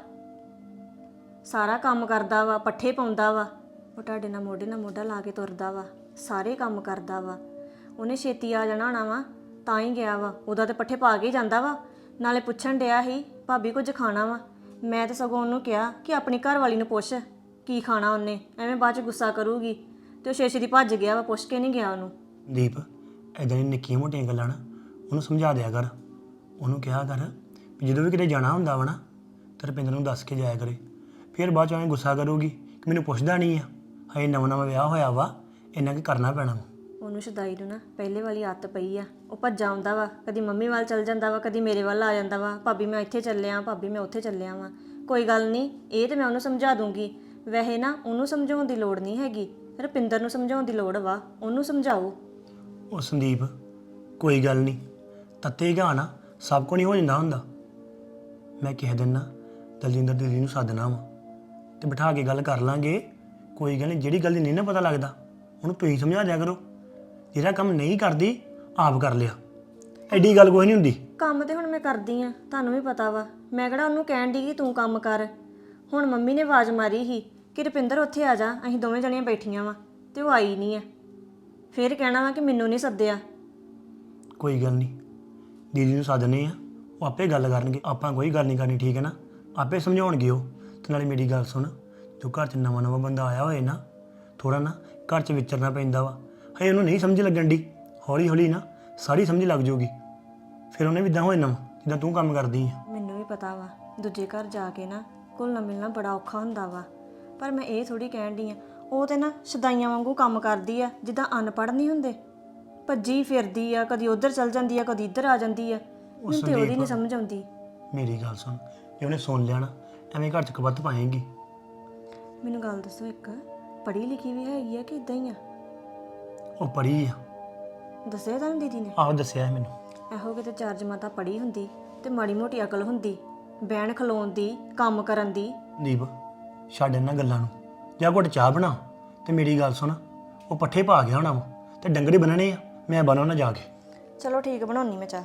Speaker 6: ਸਾਰਾ ਕੰਮ ਕਰਦਾ ਵਾ, ਪੱਠੇ ਪਾਉਂਦਾ ਵਾ, ਉਹ ਤੁਹਾਡੇ ਨਾਲ ਮੋਢਾ ਲਾ ਕੇ ਤੁਰਦਾ ਵਾ, ਸਾਰੇ ਕੰਮ ਕਰਦਾ ਵਾ। ਉਹਨੇ ਛੇਤੀ ਆ ਜਾਣਾ ਹੋਣਾ ਵਾ ਤਾਂ ਹੀ ਗਿਆ ਵਾ, ਉਹਦਾ ਤੇ ਪੱਠੇ ਪਾ ਕੇ ਹੀ ਜਾਂਦਾ ਵਾ। ਨਾਲੇ ਪੁੱਛਣ ਡਿਆ ਸੀ ਭਾਬੀ ਕੁਝ ਖਾਣਾ ਵਾ, ਮੈਂ ਤਾਂ ਸਗੋਂ ਉਹਨੂੰ ਕਿਹਾ ਕਿ ਆਪਣੀ ਘਰ ਵਾਲੀ ਨੂੰ ਪੁੱਛ ਕੀ ਖਾਣਾ ਉਹਨੇ, ਐਵੇਂ ਬਾਅਦ ਚ ਗੁੱਸਾ ਕਰੂਗੀ। ਤੇ ਉਹ ਛੇਤੀ ਦੀ ਭੱਜ ਗਿਆ ਵਾ, ਪੁੱਛ ਕੇ ਨਹੀਂ ਗਿਆ ਉਹਨੂੰ।
Speaker 7: ਦੀਪ ਐਦਾਂ ਦੀਆਂ ਨਿੱਕੀਆਂ ਮੋਟੀਆਂ ਗੱਲਾਂ ਨਾ ਉਹਨੂੰ ਸਮਝਾ ਦਿਆ ਕਰ, ਉਹਨੂੰ ਕਿਹਾ ਕਰ ਵੀ ਜਦੋਂ ਵੀ ਕਿਤੇ ਜਾਣਾ ਹੁੰਦਾ ਵਾ ਨਾ ਤਾਂ ਰੁਪਿੰਦਰ ਨੂੰ ਦੱਸ ਕੇ ਜਾਇਆ ਕਰੇ। ਫਿਰ ਬਾਅਦ ਚ ਐਵੇਂ ਗੁੱਸਾ ਕਰੂਗੀ ਕਿ ਮੈਨੂੰ ਪੁੱਛਦਾ ਨਹੀਂ ਆ, ਹਜੇ ਨਵਾਂ ਵਿਆਹ ਹੋਇਆ ਵਾ, ਇੰਨਾ ਕੀ ਕਰਨਾ ਪੈਣਾ ਵਾ।
Speaker 6: ਉਹਨੂੰ ਸ਼ਦਾਈ ਨੂੰ ਨਾ ਪਹਿਲੇ ਵਾਲੀ ਆਦਤ ਪਈ ਆ, ਉਹ ਭੱਜਾ ਆਉਂਦਾ ਵਾ, ਕਦੀ ਮੰਮੀ ਵੱਲ ਚੱਲ ਜਾਂਦਾ ਵਾ, ਕਦੀ ਮੇਰੇ ਵੱਲ ਆ ਜਾਂਦਾ ਵਾ, ਭਾਬੀ ਮੈਂ ਇੱਥੇ ਚੱਲਿਆ, ਭਾਬੀ ਮੈਂ ਉੱਥੇ ਚੱਲਿਆ ਵਾਂ। ਕੋਈ ਗੱਲ ਨਹੀਂ, ਇਹ ਤੇ ਮੈਂ ਉਹਨੂੰ ਸਮਝਾ ਦੂੰਗੀ। ਵੈਸੇ ਨਾ ਉਹਨੂੰ ਸਮਝਾਉਣ ਦੀ ਲੋੜ ਨਹੀਂ ਹੈਗੀ, ਰੁਪਿੰਦਰ ਨੂੰ ਸਮਝਾਉਣ ਦੀ ਲੋੜ ਵਾ, ਉਹਨੂੰ ਸਮਝਾਓ।
Speaker 7: ਉਹ ਸੰਦੀਪ ਕੋਈ ਗੱਲ ਨਹੀਂ, ਤੱਤੇ ਗਾ ਨਾ ਸਭ ਕੁਝ ਨਹੀਂ ਹੋ ਜਾਂਦਾ ਹੁੰਦਾ। ਮੈਂ ਕਹਿ ਦਿੰਦਾ ਦਲਜਿੰਦਰ ਦੀਦੀ ਨੂੰ ਸੱਦਣਾ ਵਾ ਤੇ ਬਿਠਾ ਕੇ ਗੱਲ ਕਰ ਲਾਂਗੇ। ਕੋਈ ਗੱਲ ਨਹੀਂ, ਜਿਹੜੀ ਗੱਲ ਦੀ ਨਹੀਂ ਨਾ ਪਤਾ ਲੱਗਦਾ ਉਹਨੂੰ ਤੁਸੀਂ ਸਮਝਾ ਦਿਆ ਕਰੋ। ਜਿਹੜਾ ਕੰਮ ਨਹੀਂ ਕਰਦੀ ਆਪ ਕਰ ਲਿਆ, ਐਡੀ ਗੱਲ ਕੋਈ ਨਹੀਂ ਹੁੰਦੀ।
Speaker 6: ਕੰਮ ਤੇ ਹੁਣ ਮੈਂ ਕਰਦੀ ਆ, ਤੁਹਾਨੂੰ ਵੀ ਪਤਾ ਵਾ। ਮੈਂ ਕਿਹੜਾ ਉਹਨੂੰ ਕਹਿਣ ਦੀ ਕਿ ਤੂੰ ਕੰਮ ਕਰ। ਹੁਣ ਮੰਮੀ ਨੇ ਆਵਾਜ਼ ਮਾਰੀ ਸੀ ਕਿ ਰੁਪਿੰਦਰ ਉੱਥੇ ਆ ਜਾ, ਅਸੀਂ ਦੋਵੇਂ ਜਣੀਆਂ ਬੈਠੀਆਂ ਵਾ, ਤੇ ਉਹ ਆਈ ਨਹੀਂ ਆ। ਫਿਰ ਕਹਿਣਾ ਵਾ ਕਿ ਮੈਨੂੰ ਨਹੀਂ ਸੱਦਿਆ।
Speaker 7: ਕੋਈ ਗੱਲ ਨਹੀਂ, ਦੀਦੀ ਨੂੰ ਸੱਦਨੇ ਆ, ਉਹ ਆਪੇ ਗੱਲ ਕਰਨਗੇ, ਆਪਾਂ ਕੋਈ ਗੱਲ ਨਹੀਂ ਕਰਨੀ, ਠੀਕ ਹੈ ਨਾ। ਆਪੇ ਸਮਝਾਉਣਗੇ ਉਹ। ਤੇ ਨਾਲੇ ਮੇਰੀ ਗੱਲ ਸੁਣ, ਜੋ ਘਰ 'ਚ ਨਵਾਂ ਬੰਦਾ ਆਇਆ ਹੋਏ ਨਾ, ਥੋੜਾ ਨਾ ਘਰ 'ਚ ਵਿਚਰਨਾ ਪੈਂਦਾ ਵਾ। ਹਜੇ ਉਹਨੂੰ ਨਹੀਂ ਸਮਝ ਲੱਗਣ ਦੀ, ਹੌਲੀ ਹੌਲੀ ਨਾ ਸਾਰੀ ਸਮਝ ਲੱਗ ਜਾਊਗੀ, ਫਿਰ ਉਹਨੇ ਵੀ ਇੱਦਾਂ ਹੋ ਜਾਣਾ ਜਿੱਦਾਂ ਤੂੰ ਕੰਮ ਕਰਦੀ ਆ।
Speaker 6: ਮੈਨੂੰ ਵੀ ਪਤਾ ਵਾ ਦੂਜੇ ਘਰ ਜਾ ਕੇ ਨਾ ਘੁਲਣਾ ਮਿਲਣਾ ਬੜਾ ਔਖਾ ਹੁੰਦਾ ਵਾ, ਪਰ ਮੈਂ ਇਹ ਥੋੜੀ ਕਹਿਣ ਦੀ ਆ। ਉਹ ਤੇ ਨਾ ਸ਼ਦਾਈਆਂ ਵਾਂਗੂ ਕੰਮ ਕਰਦੀ ਆ, ਜਿੱਦਾਂ ਅਨਪੜ੍ਹ ਨਹੀਂ ਹੁੰਦੇ, ਭੱਜੀ ਫਿਰਦੀ ਆ, ਕਦੀ ਉੱਧਰ ਚਲ ਜਾਂਦੀ ਆ, ਕਦੀ ਇੱਧਰ ਆ ਜਾਂਦੀ ਆ। ਮੈਨੂੰ ਤੇ ਉਹਦੀ ਨਹੀਂ ਸਮਝ ਆਉਂਦੀ।
Speaker 7: ਮੇਰੀ ਗੱਲ ਸੁਣ, ਜੇ ਉਹਨੇ ਸੁਣ ਲਿਆ ਨਾ ਐਵੇਂ ਘਰ 'ਚ ਕਬੱਤ ਪਾਏਗੀ।
Speaker 6: ਮੈਨੂੰ ਗੱਲ ਦੱਸੋ, ਇੱਕ ਪੜ੍ਹੀ ਲਿਖੀ ਵੀ ਹੈਗੀ ਆ ਕਿ ਇਦਾਂ ਹੀ ਆ?
Speaker 7: ਉਹ ਪੜ੍ਹੀ ਆ।
Speaker 6: ਦੱਸਿਆ ਤੁਹਾਨੂੰ ਦੀਦੀ ਨੇ?
Speaker 7: ਆਹੋ ਦੱਸਿਆ ਮੈਨੂੰ।
Speaker 6: ਇਹੋ ਕਿਤੇ ਚਾਰ ਜਮਾਤਾਂ ਪੜ੍ਹੀ ਹੁੰਦੀ ਤੇ ਮਾੜੀ ਮੋਟੀ ਅਕਲ ਹੁੰਦੀ, ਬਹਿਣ ਖਲੋਣ ਦੀ, ਕੰਮ ਕਰਨ ਦੀ।
Speaker 7: ਦੀਪ ਛੱਡ ਇਹਨਾਂ ਗੱਲਾਂ ਨੂੰ, ਜਾਂ ਘੁੱਟ ਚਾਹ ਬਣਾ ਤੇ ਮੇਰੀ ਗੱਲ ਸੁਣ, ਉਹ ਪੱਠੇ ਪਾ ਗਿਆ ਹੋਣਾ ਵਾ ਤੇ ਡੰਗਰੇ ਬੰਨਣੇ ਆ, ਮੈਂ ਬਣਾਉਣਾ ਜਾ ਕੇ।
Speaker 6: ਚਲੋ ਠੀਕ, ਬਣਾਉਣੀ ਮੈਂ ਚਾਹ।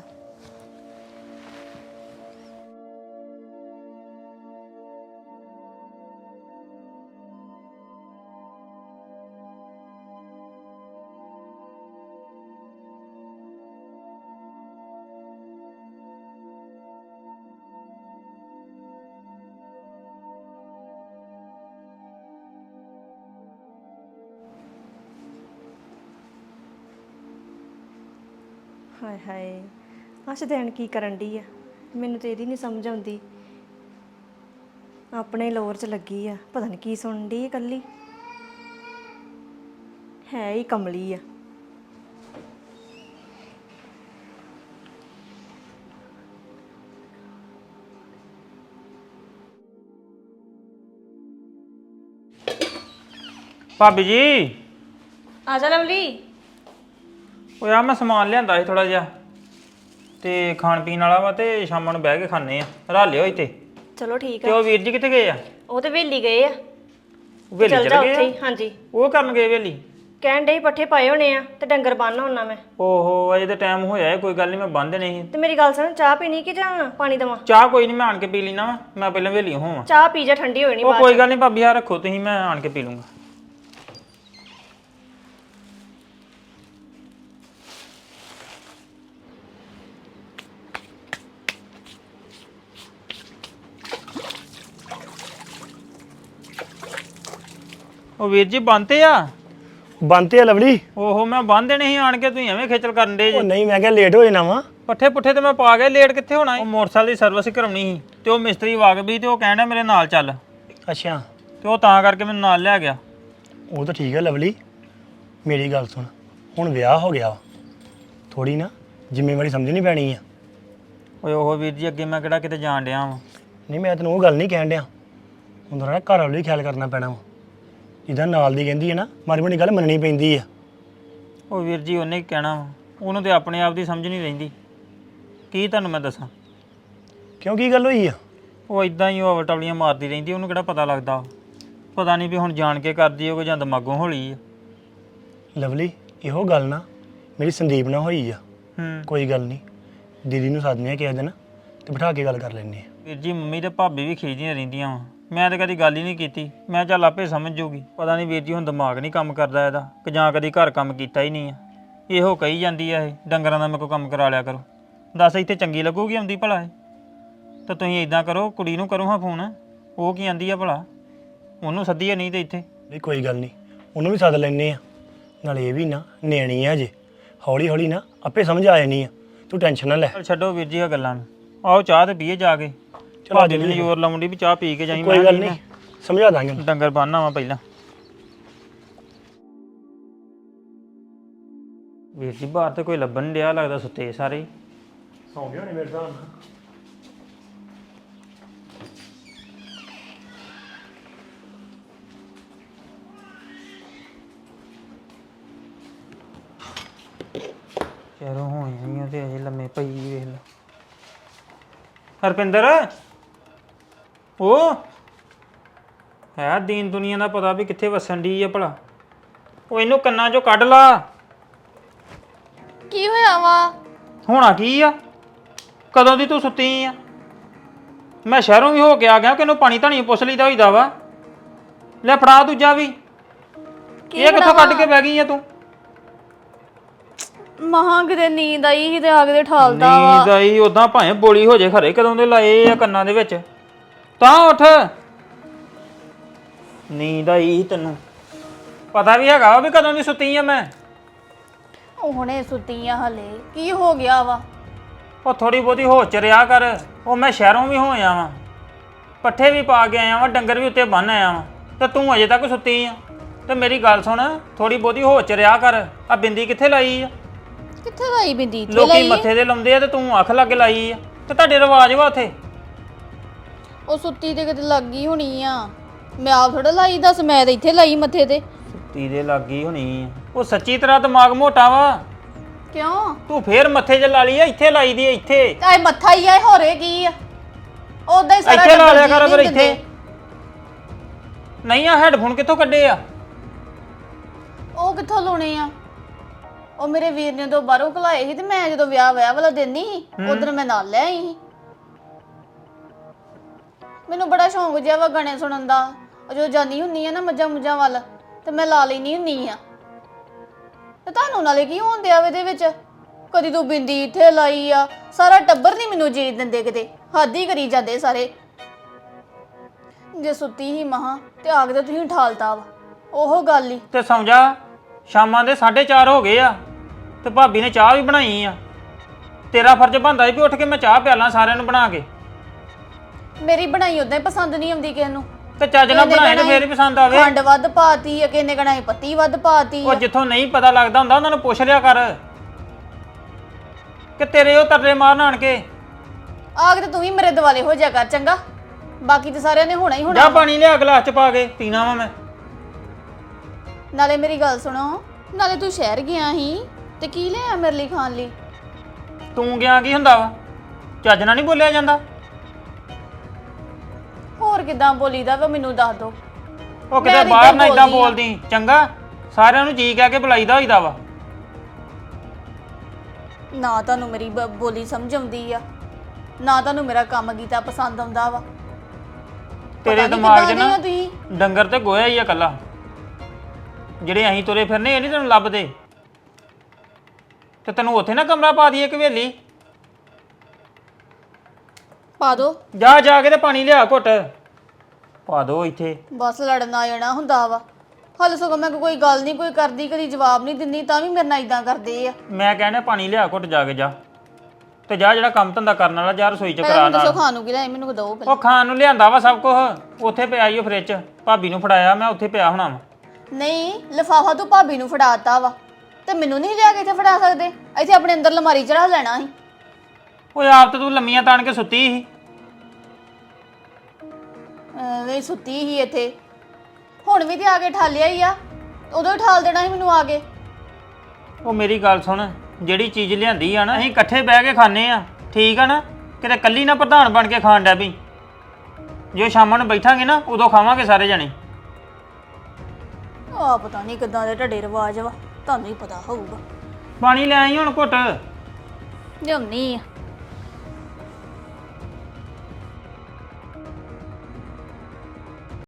Speaker 6: ਹਾਏ ਹਾਏ, ਆਹ ਦੇਣ ਕੀ ਕਰਨ ਡਈ ਆ? ਮੈਨੂੰ ਤੇ ਇਹਦੀ ਨਹੀਂ ਸਮਝ ਆਉਂਦੀ। ਆਪਣੇ ਲੋਰ 'ਚ ਲੱਗੀ ਆ, ਪਤਾ ਨਹੀਂ ਕੀ ਸੁਣਨ ਡਈ ਇਕੱਲੀ, ਹੈ ਹੀ ਕਮਲੀ ਆ।
Speaker 1: ਭਾਬੀ ਜੀ
Speaker 6: ਆ ਜਾ ਲਵਲੀ।
Speaker 1: ਉਹ ਯਾਰ ਮੈਂ ਸਮਾਨ ਲਿਆਂਦਾ ਸੀ ਥੋੜਾ ਜਿਹਾ, ਤੇ ਖਾਣ ਪੀਣ ਵਾਲਾ ਵਾ, ਤੇ ਸ਼ਾਮਾਂ ਨੂੰ ਬਹਿ ਕੇ ਖਾਣੇ ਆ, ਰਾਲਿਓ ਇੱਥੇ।
Speaker 6: ਚਲੋ ਠੀਕ
Speaker 1: ਤੇ
Speaker 6: ਆ।
Speaker 1: ਉਹ ਵੀਰ ਜੀ ਕਿੱਥੇ ਗਏ ਆ?
Speaker 6: ਉਹ ਤੇ ਵੇਲੀ ਗਏ ਆ।
Speaker 1: ਵੇਲੀ
Speaker 6: ਚੱਲ
Speaker 1: ਚਲ
Speaker 6: ਜਾ
Speaker 1: ਗਏ
Speaker 6: ਉੱਥੇ
Speaker 1: ਆ?
Speaker 6: ਹੀ। ਹਾਂਜੀ,
Speaker 1: ਉਹ ਕਰਨ ਗਏ ਵੇਲੀ?
Speaker 6: ਕਹਿਣ ਡਈ ਪੱਠੇ ਪਾਏ ਹੋਣੇ ਆ ਤੇ ਡੰਗਰ ਬੰਨ ਹੋਣਾ ਮੈਂ।
Speaker 1: ਓਹੋ ਅਜੇ ਤਾਂ ਟਾਈਮ ਹੋਇਆ ਹੈ, ਕੋਈ ਗੱਲ ਨਹੀਂ, ਮੈਂ ਬੰਦ ਨਹੀਂ।
Speaker 6: ਤੇ ਮੇਰੀ ਗੱਲ ਸੁਣ, ਚਾਹ ਪੀਣੀ ਕਿ ਜਾਂ ਪਾਣੀ ਦੇਵਾਂ?
Speaker 1: ਚਾਹ ਕੋਈ ਨਹੀਂ, ਮੈਂ ਆਣ ਕੇ ਪੀ ਲੈਣਾ ਵਾ, ਮੈਂ ਪਹਿਲਾਂ ਵੇਲੀ ਹੋਵਾਂ।
Speaker 6: ਚਾਹ ਪੀ ਜਾ, ਠੰਡੀ ਹੋਣੀ
Speaker 1: ਉਹ
Speaker 6: ਬਾਅਦ
Speaker 1: ਕੋਈ ਗੱਲ ਨਹੀਂ ਭਾਬੀ, ਆ ਰੱਖੋ ਤੁਸੀਂ, ਮੈਂ ਆਣ ਕੇ ਪੀ ਲੂੰਗਾ। ਉਹ ਵੀਰ ਜੀ ਬੰਨਤੇ ਆ?
Speaker 7: ਬੰਨਤੇ ਆ ਲਵਲੀ।
Speaker 1: ਓਹੋ ਮੈਂ ਬੰਨ ਦੇਣੇ ਸੀ, ਆਣ ਕੇ ਤੁਸੀਂ ਐਵੇਂ ਖੇਚਲ ਕਰਨ ਦੇ
Speaker 7: ਉਹ
Speaker 1: ਜੇ।
Speaker 7: ਨਹੀਂ, ਮੈਂ ਕਿਹਾ ਲੇਟ ਹੋ ਜਾਣਾ ਵਾ।
Speaker 1: ਪੱਠੇ ਪੁੱਠੇ ਤੇ ਮੈਂ ਪਾ ਗਿਆ, ਲੇਟ ਕਿੱਥੇ ਹੋਣਾ? ਉਹ ਮੋਟਰਸਾਈਕਲ ਦੀ ਸਰਵਿਸ ਕਰਾਉਣੀ ਸੀ, ਤੇ ਉਹ ਮਿਸਤਰੀ ਵਾਕਬੀ, ਤੇ ਉਹ ਕਹਿੰਦਾ ਮੇਰੇ ਨਾਲ ਚੱਲ,
Speaker 7: ਅੱਛਾ,
Speaker 1: ਤੇ ਉਹ ਤਾਂ ਕਰਕੇ ਮੈਨੂੰ ਨਾਲ ਲੈ ਗਿਆ।
Speaker 7: ਉਹ ਤਾਂ ਠੀਕ ਹੈ ਲਵਲੀ, ਮੇਰੀ ਗੱਲ ਸੁਣ, ਹੁਣ ਵਿਆਹ ਹੋ ਗਿਆ ਵਾ, ਥੋੜੀ ਨਾ ਜ਼ਿੰਮੇਵਾਰੀ ਸਮਝਣੀ ਪੈਣੀ ਆ।
Speaker 1: ਓਏ ਉਹ ਵੀਰ ਜੀ ਅੱਗੇ ਮੈਂ ਕਿਹੜਾ ਕਿਤੇ ਜਾਣ ਡਿਆ ਵਾਂ।
Speaker 7: ਨਹੀਂ, ਮੈਂ ਤੈਨੂੰ ਉਹ ਗੱਲ ਨਹੀਂ ਕਹਿਣ ਡਿਆ, ਹੁਣ ਥੋੜਾ ਘਰ ਵਾਲੇ ਵੀ ਖਿਆਲ ਕਰਨਾ ਪੈਣਾ ਵਾ। ਜਿੱਦਾਂ ਨਾਲ ਦੀ ਕਹਿੰਦੀ ਹੈ ਨਾ, ਮਾੜੀ ਮੋਟੀ ਗੱਲ ਮੰਨਣੀ ਪੈਂਦੀ ਆ।
Speaker 1: ਉਹ ਵੀਰ ਜੀ ਉਹਨੇ ਕੀ ਕਹਿਣਾ ਵਾ, ਉਹਨੂੰ ਤੇ ਆਪਣੇ ਆਪ ਦੀ ਸਮਝ ਨਹੀਂ ਰਹਿੰਦੀ, ਕੀ ਤੁਹਾਨੂੰ ਮੈਂ ਦੱਸਾਂ।
Speaker 7: ਕਿਉਂ, ਕੀ ਗੱਲ ਹੋਈ ਆ?
Speaker 1: ਉਹ ਇਦਾਂ ਹੀ ਉਹ ਟਵਲੀਆਂ ਮਾਰਦੀ ਰਹਿੰਦੀ, ਉਹਨੂੰ ਕਿਹੜਾ ਪਤਾ ਲੱਗਦਾ। ਪਤਾ ਨਹੀਂ ਵੀ ਹੁਣ ਜਾਣ ਕੇ ਕਰਦੀ ਹੋਵੇ ਜਾਂ ਦਿਮਾਗੋਂ ਹੌਲੀ ਆ।
Speaker 7: ਲਵਲੀ ਇਹੋ ਗੱਲ ਨਾ ਮੇਰੀ ਸੰਦੀਪ ਨਾਲ ਹੋਈ ਆ। ਕੋਈ ਗੱਲ ਨਹੀਂ, ਦੀਦੀ ਨੂੰ ਸੱਦਨੇ ਆ ਕਿਸੇ ਦਿਨ ਤੇ ਬਿਠਾ ਕੇ ਗੱਲ ਕਰ ਲੈਂਦੇ ਆ।
Speaker 1: ਵੀਰ ਜੀ ਮੰਮੀ ਤੇ ਭਾਬੀ ਵੀ ਖਿਜਦੀਆਂ ਰਹਿੰਦੀਆਂ ਵਾ। ਮੈਂ ਤਾਂ ਕਦੀ ਗੱਲ ਹੀ ਨਹੀਂ ਕੀਤੀ। ਮੈਂ ਚੱਲ ਆਪੇ ਸਮਝ ਜੂਗੀ। ਪਤਾ ਨਹੀਂ ਵੀਰ ਜੀ ਹੁਣ ਦਿਮਾਗ ਨਹੀਂ ਕੰਮ ਕਰਦਾ ਇਹਦਾ ਕਿ ਜਾਂ ਕਦੀ ਘਰ ਕੰਮ ਕੀਤਾ ਹੀ ਨਹੀਂ ਆ। ਇਹੋ ਕਹੀ ਜਾਂਦੀ ਆ ਇਹ ਡੰਗਰਾਂ ਦਾ ਮੇਰੇ ਕੋਲ ਕੰਮ ਕਰਾ ਲਿਆ ਕਰੋ। ਦੱਸ ਇੱਥੇ ਚੰਗੀ ਲੱਗੂਗੀ ਆਉਂਦੀ ਭਲਾ ਇਹ? ਤਾਂ ਤੁਸੀਂ ਇਦਾਂ ਕਰੋ, ਕੁੜੀ ਨੂੰ ਕਰੋ ਹਾਂ ਫੋਨ। ਉਹ ਕੀ ਆਂਦੀ ਆ ਭਲਾ? ਉਹਨੂੰ ਸੱਦੀਏ ਨਹੀਂ ਤੇ ਇੱਥੇ।
Speaker 7: ਨਹੀਂ ਕੋਈ ਗੱਲ ਨਹੀਂ, ਉਹਨੂੰ ਵੀ ਸੱਦ ਲੈਂਦੇ ਆ। ਨਾਲੇ ਇਹ ਵੀ ਨਾ ਨਿਆਣੀ ਆ ਅਜੇ, ਹੌਲੀ ਹੌਲੀ ਨਾ ਆਪੇ ਸਮਝ ਆ ਜਾਣੀ ਆ। ਤੂੰ ਟੈਨਸ਼ਨ ਨਾ ਲੈ।
Speaker 1: ਚੱਲ ਛੱਡੋ ਵੀਰ ਜੀ ਆ ਗੱਲਾਂ ਨੂੰ। ਆਓ ਚਾਹ ਤੇ ਪੀਏ ਜਾ ਕੇ। ਭਾਜੀ ਨੂੰ ਜ਼ੋਰ ਲਾਉਂਦੀ ਵੀ ਚਾਹ ਪੀ ਕੇ ਜਾਈ।
Speaker 7: ਕੋਈ ਗੱਲ ਨਹੀਂ, ਸਮਝਾ ਦਾਂਗੇ ਉਹਨੂੰ।
Speaker 1: ਡੰਗਰ ਬੰਨ੍ਹਣਾ ਵਾ ਪਹਿਲਾਂ। ਵੀਰ ਜੀ ਬਾਹਰ ਤੇ ਕੋਈ ਲੱਭਣ ਨਹੀਂ ਡਿਆ, ਲੱਗਦਾ ਸੁੱਤੇ ਸਾਰੇ ਹੀ।
Speaker 7: ਸੌਂ ਗਏ ਹੋਣੇ ਮੇਰੇ ਹਿਸਾਬ ਨਾਲ।
Speaker 1: ਚਲੋ ਹੋਈਆਂ ਤੇ ਅਜੇ ਲੰਮੇ ਪਈ ਵੇਖ ਲਾ। ਹਰਪਿੰਦਰ ਉਹ ਹੈ ਦੀਨ ਦੁਨੀਆ ਦਾ ਪਤਾ ਵੀ ਕਿੱਥੇ ਵਸਣ ਦੀ ਆ ਭਲਾ। ਉਹ ਇਹਨੂੰ ਕੰਨਾਂ ਚੋਂ ਕੱਢ ਲਾ।
Speaker 2: ਕੀ ਹੋਇਆ ਵਾ?
Speaker 1: ਹੋਣਾ ਕੀ ਆ? ਕਦੋਂ ਦੀ ਤੂੰ ਸੁੱਤੀ ਆ? ਮੈਂ ਸ਼ਹਿਰੋਂ ਵੀ ਹੋ ਕੇ ਆ ਗਿਆ ਕਿ ਇਹਨੂੰ ਪਾਣੀ ਧਾਣੀ ਪੁੱਛ ਲਈਦਾ ਹੋਈਦਾ ਵਾ। ਲੈ ਫੜਾ ਦੂਜਾ ਵੀ। ਇਹ ਕਿੱਥੋਂ ਕੱਢ ਕੇ ਬਹਿ ਗਈ ਆ ਤੂੰ?
Speaker 2: ਮਹਾਂ ਕਿਤੇ ਨੀਂਦ ਆਈ ਸੀ ਤੇ ਆ ਕੇ ਠਾਲਦਾ ਵਾ।
Speaker 1: ਨੀਂਦ ਆਈ ਉਦਾਂ ਭਾਵੇਂ ਬੋਲੀ ਹੋ ਜੇ ਖਰੇ ਕਦੋਂ ਦੇ ਲਾਏ ਆ ਕੰਨਾਂ ਦੇ ਵਿੱਚ। ਤਾਂ ਉੱਠ। ਨੀਂਦ ਆਈ ਤੈਨੂੰ ਪਤਾ ਵੀ ਹੈਗਾ ਵੀ ਕਦੋਂ ਦੀ ਸੁੱਤੀ ਆ ਮੈਂ।
Speaker 2: ਉਹ ਹੁਣੇ ਸੁੱਤੀ ਆ ਹਲੇ। ਕੀ ਹੋ ਗਿਆ ਵਾ?
Speaker 1: ਉਹ ਥੋੜੀ ਬਹੁਤੀ ਹੋਸ਼ ਚ ਰਿਹਾ ਕਰ। ਉਹ ਮੈਂ ਸ਼ਹਿਰੋਂ ਵੀ ਹੋ ਆਇਆ ਵਾਂ, ਪੱਠੇ ਵੀ ਪਾ ਕੇ ਆਇਆ ਵਾਂ, ਡੰਗਰ ਵੀ ਉੱਤੇ ਬੰਨ ਆਇਆ ਵਾਂ, ਤੇ ਤੂੰ ਅਜੇ ਤੱਕ ਸੁੱਤੀ ਆ। ਤੇ ਮੇਰੀ ਗੱਲ ਸੁਣ, ਥੋੜੀ ਬਹੁਤੀ ਹੋਸ਼ ਚ ਰਿਹਾ ਕਰ। ਆ ਬਿੰਦੀ ਕਿੱਥੇ ਲਾਈ ਆ?
Speaker 2: ਕਿੱਥੇ ਲਾਈ ਬਿੰਦੀ? ਇੱਥੇ
Speaker 1: ਲੋਕੀ
Speaker 2: ਲਾਈ ਆ।
Speaker 1: ਮੱਥੇ ਤੇ ਲਾਉਂਦੇ ਆ ਤੇ ਤੂੰ ਅੱਖ ਲੱਗ ਲਾਈ ਆ। ਤੇ ਤੁਹਾਡੇ ਰਿਵਾਜ ਵਾ ਉੱਥੇ।
Speaker 2: ਉਹ ਸੁੱਤੀ ਤੇ ਕਿਤੇ ਲੱਗ ਗਈ ਹੋਣੀ ਆ। ਮੈਂ ਆਪ ਥੋੜਾ ਲਾਈ, ਦੱਸ ਮੈਂ ਤਾਂ ਇੱਥੇ ਲਾਈ ਮੱਥੇ ਤੇ।
Speaker 1: ਸੁੱਤੀ ਦੇ ਲੱਗ ਗਈ ਹੋਣੀ ਆ। ਉਹ ਸੱਚੀ ਤਰ੍ਹਾਂ ਦਿਮਾਗ ਮੋਟਾ ਵਾ।
Speaker 2: ਕਿਉਂ?
Speaker 1: ਤੂੰ ਫੇਰ ਮੱਥੇ 'ਚ ਲਾ ਲਈ ਆ? ਇੱਥੇ ਲਾਈ ਦੀ ਆ ਇੱਥੇ।
Speaker 2: ਆਏ ਮੱਥਾ ਹੀ ਆ, ਹੋਰੇ ਕੀ ਆ? ਉਦਾਂ ਹੀ ਸਾਰਾ
Speaker 1: ਇੱਥੇ ਲਾ ਲਿਆ
Speaker 2: ਟੱਬਰ
Speaker 1: ਕਰ
Speaker 2: ਜੀ
Speaker 1: ਫਿਰ
Speaker 2: ਨਹੀਂ
Speaker 1: ਇੱਥੇ।
Speaker 2: ਦਿੰਦੇ।
Speaker 1: ਨਹੀਂ ਆ ਹੈਡਫੋਨ ਕਿੱਥੋਂ ਕੱਢੇ ਆ?
Speaker 2: ਉਹ ਕਿੱਥੋਂ ਲਾਉਣੇ ਆ? ਉਹ ਮੇਰੇ ਵੀਰ ਨੇ ਤੋਂ ਬਾਹਰੋਂ ਘਲਾਏ ਸੀ ਤੇ ਮੈਂ ਜਦੋਂ ਵਿਆਹ ਵਾਲਾ ਦਿਨ ਨਹੀਂ ਸੀ ਉਧਰ ਮੈਂ ਨਾਲ ਲੈ ਆਈ ਸੀ। ਮੈਨੂੰ ਬੜਾ ਸ਼ੌਂਕ ਜਿਹਾ ਵਾ ਗਾਣੇ ਸੁਣਨ ਦਾ। ਉਹ ਜਦੋਂ ਜਾਂਦੀ ਹੁੰਨੀ ਆ ਨਾ ਮੱਝਾਂ ਮੁੱਝਾਂ ਵੱਲ ਤੇ ਮੈਂ ਲਾ ਲੈਣੀ ਹੁੰਨੀ ਆ। ਤੇ ਤੁਹਾਨੂੰ ਨਾਲੇ ਕੀ ਹੋਣ ਦਿਆ ਇਹਦੇ ਵਿੱਚ? ਕਦੀ ਤੂੰ ਬਿੰਦੀ ਇੱਥੇ ਲਾਈ ਆ। ਸਾਰਾ ਟੱਬਰ ਨਹੀਂ ਮੈਨੂੰ ਜੀਣ ਦਿੰਦੇ, ਕਿਤੇ ਹੱਦ ਹੀ ਕਰੀ ਜਾਂਦੇ ਸਾਰੇ। ਜੇ ਸੁੱਤੀ ਹੀ ਮਹਾ ਤੇ ਆ ਕੇ ਤੇ ਤੁਸੀਂ ਠਾਲਤਾ ਵਾ। ਉਹ ਗੱਲ ਹੀ।
Speaker 1: ਤੇ ਸੌਂ ਜਾ। ਸ਼ਾਮਾਂ ਦੇ 4:30 ਹੋ ਗਏ ਆ ਤੇ ਭਾਬੀ ਨੇ ਚਾਹ ਵੀ ਬਣਾਈ ਆ। ਤੇਰਾ ਫਰਜ਼ ਬਣਦਾ ਸੀ ਵੀ ਉੱਠ ਕੇ ਮੈਂ ਚਾਹ ਪਿਆਲਾਂ ਸਾਰਿਆਂ ਨੂੰ ਬਣਾ ਕੇ।
Speaker 2: ਮੇਰੀ ਬਣਾਈ ਉਦਾਂ ਹੀ ਪਸੰਦ ਨਹੀਂ ਆਉਂਦੀ ਕਿਸੇ ਨੂੰ।
Speaker 1: ਤੇ ਚੱਜ ਨਾਲ ਬਣਾਏ ਤੇ ਫੇਰ ਹੀ ਪਸੰਦ ਆਵੇ।
Speaker 2: ਖੰਡ ਵੱਧ ਪਾਤੀ ਆ, ਕਿੰਨੇ ਕਣਾਈ ਪੱਤੀ ਵੱਧ ਪਾਤੀ
Speaker 1: ਉਹ
Speaker 2: ਆ।
Speaker 1: ਜਿੱਥੋਂ ਨਹੀਂ ਪਤਾ ਲੱਗਦਾ ਹੁੰਦਾ ਉਹਨਾਂ ਨੂੰ ਪੁੱਛ ਲਿਆ ਕਰ ਕਿ ਤੇਰੇ ਉਹ ਤਰਲੇ ਮਾਰਨ ਆਣ ਕੇ।
Speaker 2: ਆ ਕੇ ਤੇ ਤੂੰ ਵੀ ਮੇਰੇ ਦਿਵਾਲੇ ਹੋ ਜਾ ਕਰ ਚੰਗਾ। ਬਾਕੀ ਤੇ ਸਾਰਿਆਂ ਨੇ ਹੋਣਾ ਹੀ ਹੋਣਾ।
Speaker 1: ਜਾ ਪਾਣੀ ਲਿਆ ਗਲਾਸ ਚ ਪਾ ਕੇ ਪੀਣਾ ਵਾ ਮੈਂ।
Speaker 2: ਨਾਲੇ ਮੇਰੀ ਗੱਲ ਸੁਣੋ, ਨਾਲੇ ਤੂੰ ਸ਼ਹਿਰ ਗਿਆ ਸੀ ਤੇ ਕੀ ਲਿਆ ਮੇਰੇ ਲਈ ਖਾਣ ਲਈ?
Speaker 1: ਤੂੰ ਗਿਆ ਕੀ ਹੁੰਦਾ ਵਾ? ਚੱਜ ਨਾਲ ਨਹੀਂ ਬੋਲਿਆ ਜਾਂਦਾ।
Speaker 2: ਹੋਰ ਕਿਦਾਂ ਬੋਲੀਦਾ ਵਾ ਮੈਨੂੰ ਦੱਸ ਦੋ।
Speaker 1: ਉਹ ਕਿਤੇ ਬਾਹਰ ਨਾ ਇਦਾਂ ਬੋਲਦੀ ਚੰਗਾ। ਸਾਰਿਆਂ ਨੂੰ ਜੀ ਕਹਿ ਕੇ ਬੁਲਾਈਦਾ ਹੋਈਦਾ ਵਾ।
Speaker 2: ਨਾ ਤੁਹਾਨੂੰ ਮੇਰੀ ਬੋਲੀ ਸਮਝ ਆਉਂਦੀ ਆ, ਨਾ ਤੁਹਾਨੂੰ ਮੇਰਾ ਕੰਮ ਕੀਤਾ ਪਸੰਦ ਆਉਂਦਾ ਵਾ।
Speaker 1: ਤੇਰੇ
Speaker 2: ਪਤਾ ਨੀ
Speaker 1: ਦਿਮਾਗ 'ਚ
Speaker 2: ਕਿੱਦਾਂ ਦੇ
Speaker 1: ਨਾ
Speaker 2: ਆ ਤੁਸੀਂ।
Speaker 1: ਡੰਗਰ ਤੇ ਗੋਇਆ ਹੀ ਆ ਕੱਲਾ। ਜਿਹੜੇ ਅਸੀਂ ਤੁਰੇ ਫਿਰਨੇ ਇਹ ਨਹੀਂ ਤੈਨੂੰ ਲੱਭਦੇ। ਤੇ ਤੈਨੂੰ ਉੱਥੇ ਨਾ ਕਮਰਾ ਪਾ ਦਈਏ ਹਵੇਲੀ।
Speaker 2: ਪਾ ਦੋ।
Speaker 1: ਜਾ ਕੇ ਤੇ ਪਾਣੀ ਲਿਆ ਘੁੱਟ ਪਾ ਦੋ ਇੱਥੇ।
Speaker 2: ਬਸ ਲੜਨ ਆ ਜਾਣਾ ਹੁੰਦਾ ਵਾ। ਹਾਲੇ ਸਗੋਂ ਮੈਂ ਕੋਈ ਗੱਲ ਨਹੀਂ ਕੋਈ ਕਰਦੀ, ਕਦੀ ਜਵਾਬ ਨਹੀਂ ਦਿੰਦੀ, ਤਾਂ ਵੀ ਮੇਰੇ ਨਾਲ ਇਦਾਂ ਕਰਦੇ ਆ।
Speaker 1: ਮੈਂ ਕਹਿੰਦਾ ਪਾਣੀ ਲਿਆ ਘੁੱਟ ਜਾ ਕੇ ਜਾ। ਤੇ ਜਾ ਜਿਹੜਾ ਕੰਮ ਧੰਦਾ ਕਰਨ ਵਾਲਾ ਜਾ ਰਸੋਈ 'ਚ ਕਰਾ
Speaker 2: ਮੈਨੂੰ ਦੱਸੋ
Speaker 1: ਨਾਲ।
Speaker 2: ਖਾਣ ਨੂੰ ਕੀ ਲਿਆਏ, ਮੈਨੂੰ ਦੋ ਪਹਿਲਾਂ।
Speaker 1: ਉਹ ਖਾਣ ਨੂੰ ਲਿਆਂਦਾ ਵਾ ਸਭ ਕੁਝ। ਉੱਥੇ ਪਿਆ ਈ ਉਹ ਫ੍ਰਿਜ 'ਚ। ਭਾਬੀ ਨੂੰ ਫੜਾਇਆ ਮੈਂ, ਉੱਥੇ ਪਿਆ ਹੋਣਾ ਵਾ।
Speaker 2: ਨਹੀਂ, ਲਿਫਾਫਾ ਤੂੰ ਭਾਬੀ ਨੂੰ ਫੜਾਤਾ ਵਾ ਤੇ ਮੈਨੂੰ ਨਹੀਂ ਲਿਆ ਕੇ ਇੱਥੇ ਫੜਾ ਸਕਦੇ? ਇੱਥੇ ਆਪਣੇ ਅੰਦਰ ਅਲਮਾਰੀ 'ਚ ਰੱਖ ਲੈਣਾ ਸੀ।
Speaker 1: ਓਏ ਆਪ ਤੇ ਤੂੰ ਲੰਮੀਆਂ ਤਾਣ ਕੇ ਸੁੱਤੀ ਸੀ।
Speaker 2: ਐਵੇਂ ਸੁੱਤੀ ਹੀ ਇੱਥੇ। ਹੁਣ ਵੀ ਤੇ ਆ ਕੇ ਠਾਲਿਆ ਹੀ ਆ। ਉਦੋਂ ਹੀ ਠਾਲ ਦੇਣਾ ਸੀ ਮੈਨੂੰ ਆ ਕੇ।
Speaker 1: ਉਹ ਮੇਰੀ ਗੱਲ ਸੁਣ, ਜਿਹੜੀ ਚੀਜ਼ ਲਿਆਂਦੀ ਆ ਨਾ ਅਸੀਂ ਇਕੱਠੇ ਬਹਿ ਕੇ ਖਾਣੇ ਆ, ਠੀਕ ਆ ਨਾ? ਕਿਤੇ ਕੱਲੀ ਨਾ ਪ੍ਰਧਾਨ ਬਣ ਕੇ ਖਾਣ ਡੈ ਪਈ। ਜੋ ਸ਼ਾਮਾਂ ਨੂੰ ਬੈਠਾਂਗੇ ਨਾ ਉਦੋਂ ਖਾਵਾਂਗੇ ਸਾਰੇ ਜਣੇ।
Speaker 2: ਆ ਪਤਾ ਨਹੀਂ ਕਿੱਦਾਂ ਦੇ ਢੱਡੇ ਰਿਵਾਜ ਵਾ, ਤੁਹਾਨੂੰ ਹੀ ਪਤਾ ਹੋਊਗਾ।
Speaker 1: ਪਾਣੀ ਲੈ ਆਈ ਹੁਣ ਘੁੱਟ।
Speaker 2: ਲਿਆਉਣੀ ਆ।